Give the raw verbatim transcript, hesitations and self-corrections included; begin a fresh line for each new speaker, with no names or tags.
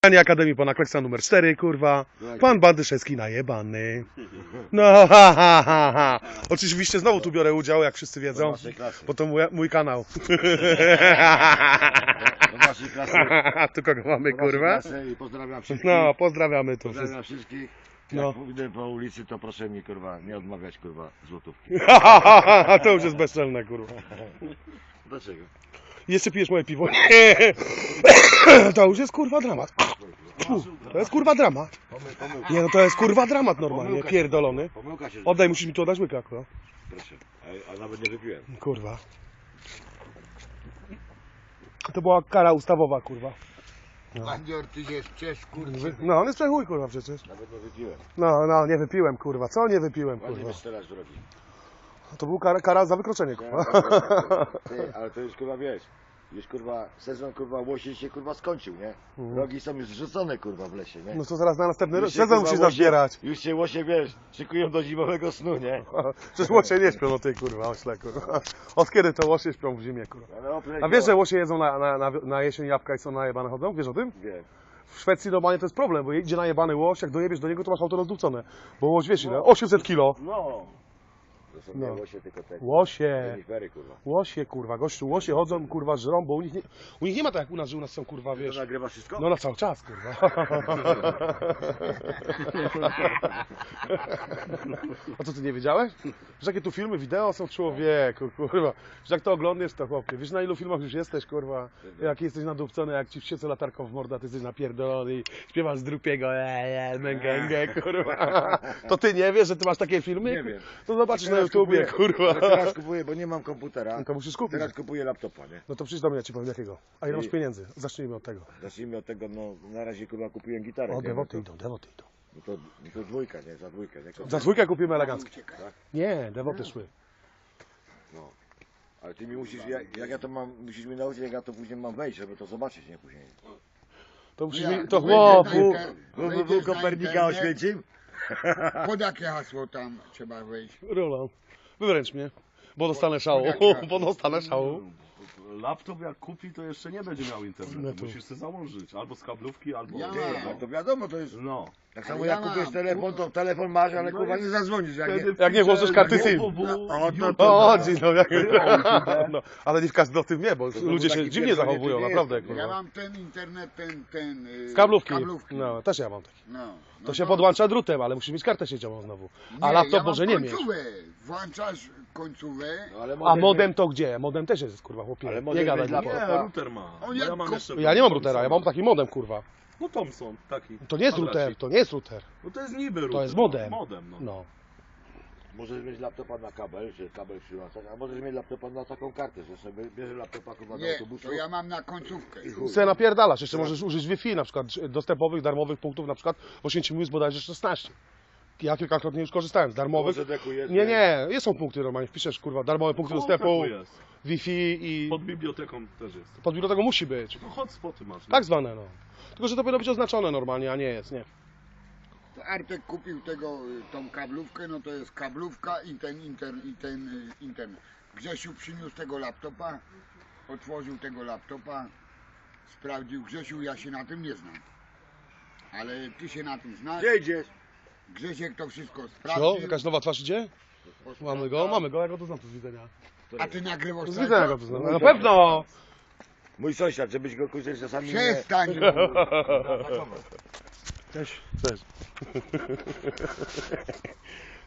Akademii Pana Kleksa numer cztery, kurwa. Pan Bandyszewski najebany. No ha ha ha ha. Oczywiście znowu tu biorę udział, jak wszyscy wiedzą, bo to mój, mój kanał.
Do naszej klasy.
Tu kogo mamy, kurwa?
I pozdrawiam wszystkich.
No, pozdrawiamy tu
Pozdrawiam
wszystkich.
wszystkich.
No.
Jak pójdę po ulicy, to proszę mi, kurwa, nie odmawiać, kurwa, złotówki.
To już jest bezczelne, kurwa.
Dlaczego?
Jeszcze pijesz moje piwo? Nie. To już jest kurwa dramat. To jest kurwa dramat. Nie no, to jest kurwa dramat normalnie, pierdolony.
Pomyłka się.
Oddaj, musisz mi tu oddać łyka, kurwa.
Proszę. A, a nawet nie wypiłem.
Kurwa. To była kara ustawowa, kurwa.
No. Bandzior, ty się sprzesz, kurwa.
No, on jest przechuj, kurwa, przecież.
Nawet nie wypiłem.
No, no, nie wypiłem, kurwa. Co nie wypiłem,
Ładnie
kurwa?
wiesz teraz zrobić.
To był kara, kara za wykroczenie, kurwa.
Ty, ale to już, kurwa, wiesz. Już, kurwa, sezon, kurwa, łosie się, kurwa, skończył, nie? Rogi są już zrzucone, kurwa, w lesie, nie?
No to zaraz na następny
Już się,
sezon
kurwa,
musisz
łosie-
nazbierać.
Już się łosie, wiesz, szykują do zimowego snu, nie?
Przecież łosie nie śpią, no ty, kurwa, ośle, kurwa. Od kiedy to łosie śpią w zimie, kurwa?
Ale oprócz
A wiesz, że łosie jedzą na, na, na, na jesień jabłka i są najebane chodzą? Wiesz o tym?
Wiem.
W Szwecji normalnie to jest problem, bo idzie najebany łoś, jak dojebiesz do niego, to masz auto rozdupcone. Bo łoś, wiesz ile? osiemset kilo.
No. To są
No.
nie łosie, tylko te
Łosie.
renifery, kurwa.
Łosie, kurwa, gościu, łosie chodzą, kurwa, żrą, bo u nich nie, u nich nie ma tak jak u nas, że u nas są, kurwa,
To
wiesz...
nagrywa wszystko?
No na cały czas, kurwa. A co, ty nie wiedziałeś? Że jakie tu filmy, wideo są, człowieku, kurwa. Że jak to oglądasz, to chłopie. Wiesz, na ilu filmach już jesteś, kurwa? Jak jesteś nadupcony, jak ci wsiece latarką w mordę, ty jesteś napierdolony i śpiewasz z drupiego, eee, męgęgę, kurwa. To ty nie wiesz, że ty masz takie filmy?
Nie wiem.
To zobaczysz na
Teraz
YouTubie,
kupuję-
kurwa.
Teraz kupuję, bo nie mam komputera.
No to musisz kupić.
Teraz kupuję laptopa, nie?
No to przyjdź do mnie, ja ci powiem jakiego. A ile masz
I-
pieniędzy? Zacznijmy od tego.
Zacznijmy od tego, no na razie, kurwa, kupiłem gitarę.
O,
nie?
dewoty
no to,
idą, dewoty idą.
no to, no to dwójka, nie? Za dwójkę, nie?
Za dwójkę kupimy eleganckie.
Tak?
Nie, dewoty szły.
No. Ale ty mi musisz, jak, jak ja to mam, musisz mi nauczyć, jak ja to później mam wejść, żeby to zobaczyć, nie? Później.
To musisz
Ja,
mi, to
wejdziesz
chłopu.
na inter-
Bo
wejdziesz
był
na
Kopernika
internet,
oświęcim?
Pod jakie hasło tam trzeba wejść?
Roland, wywręcz mnie, bo dostanę szału, bo dostanę szału.
Laptop jak kupi, to jeszcze nie będzie miał internetu.
No to-
Musisz sobie założyć albo z kablówki, albo...
Ja
Ty,
mam.
no to wiadomo, to jest...
No.
Tak
Ale
samo
ja
jak kupisz
mam.
telefon, to telefon masz, ale
No
kurwa
i
nie zadzwonisz, jak nie...
Wtedy
Jak nie włożysz karty
wpiszę
SIM.
www,
O, to-
YouTube.
O, chodzi, no, jak...
No.
no, ale nie w każdym o tym wie, bo
znowu
ludzie się
taki
dziwnie
pierdolnięty
zachowują,
nie
naprawdę,
jestem.
Ja
kurwa.
mam ten internet, ten, ten... y,
Z kablówki.
kablówki.
No, też ja mam taki.
No. No
To się podłącza drutem, ale musisz mieć kartę sieciową znowu. A
Nie,
laptop
ja
może
mam
nie mieć.
końcówę. Włączasz końcówę.
No, ale
A modem to gdzie? Modem też jest, kurwa, chłopie.
Ale
Nie
modem
gadaj
jest dla-
mi.
Nie, router ma.
On
No
jak
ja mam
ko-
jeszcze...
Ja nie mam routera, ja mam taki modem, kurwa.
No Thomson, taki.
To nie jest
Kwadracik.
router, to nie jest router.
No to jest niby router.
jest modem.
No, modem, no.
No.
Możesz mieć laptopa na kabel, czy kabel przyłączać, a możesz mieć laptopa na taką kartę, że sobie bierzesz laptopa kurwa do
Nie,
autobusu.
to ja mam na końcówkę.
i chuj.
Se napierdalasz, jeszcze możesz użyć Wi-Fi na przykład, dostępowych, darmowych punktów, na przykład w Oświęcimiu jest bodajże szesnaście. Ja kilkakrotnie już korzystałem z darmowych.
Może dekujesz,
Nie, nie, nie są punkty normalnie, wpiszesz kurwa, darmowe punkty
Koło
dostępu,
sklepu jest.
Wi-Fi i
Pod biblioteką też jest.
pod biblioteką musi być.
No hotspoty masz. No.
Tak zwane, no. Tylko, że to powinno być oznaczone normalnie, a nie jest, nie.
To Artek kupił tego, y, tą kablówkę, no to jest kablówka i ten, inter, i ten y, internet. Grzesiu przyniósł tego laptopa, otworzył tego laptopa, sprawdził. Grzesiu, ja się na tym nie znam. Ale ty się na tym znasz.
Gdzie idziesz?
Grzesiek to wszystko
Co?
sprawdził.
Jakaś nowa twarz idzie? Mamy go, mamy go, ja go to znam tu z widzenia.
A ty nagrywasz
Z
tak?
widzenia go to znam. Na pewno!
Mój sąsiad, żebyś go kurczę czasami nie...
Przestań!
Cześć. Cześć.